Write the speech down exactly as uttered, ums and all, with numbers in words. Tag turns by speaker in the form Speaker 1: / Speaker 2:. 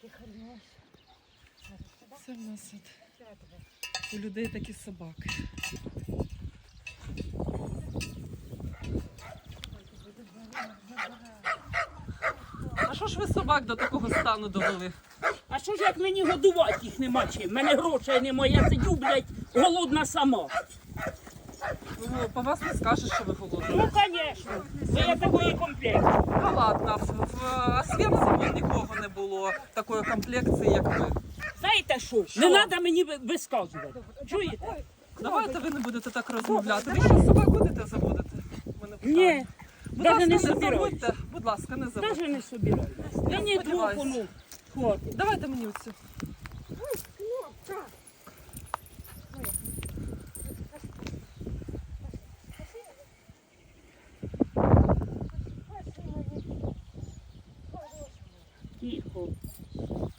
Speaker 1: Це в нас от у людей такі собаки. А що ж ви собак до такого стану довели?
Speaker 2: А що ж як мені годувати їх нема чим? Мене грошей немає, я сидю, блядь, голодна сама.
Speaker 1: Ну, по вас не скажеш, що ви голодні.
Speaker 2: Ну, звісно, бо я такої комплекції.
Speaker 1: Ну ладно, в, в Освенциме нікого не було такої комплекції, як ви.
Speaker 2: Знаєте що? Не треба мені ви- висказувати. Чуєте?
Speaker 1: Давайте ви не будете так розмовляти. Ви ще собак будете заводити? У мене питання.
Speaker 2: Ні,
Speaker 1: Будь
Speaker 2: навіть
Speaker 1: ласка,
Speaker 2: не
Speaker 1: не
Speaker 2: собираюсь.
Speaker 1: заводьте. Будь ласка, не заводьте.
Speaker 2: Навіть не собираюсь. Мені двох
Speaker 1: сподіваюсь.
Speaker 2: воно хватить.
Speaker 1: Давайте мені оцю.
Speaker 2: Тихо.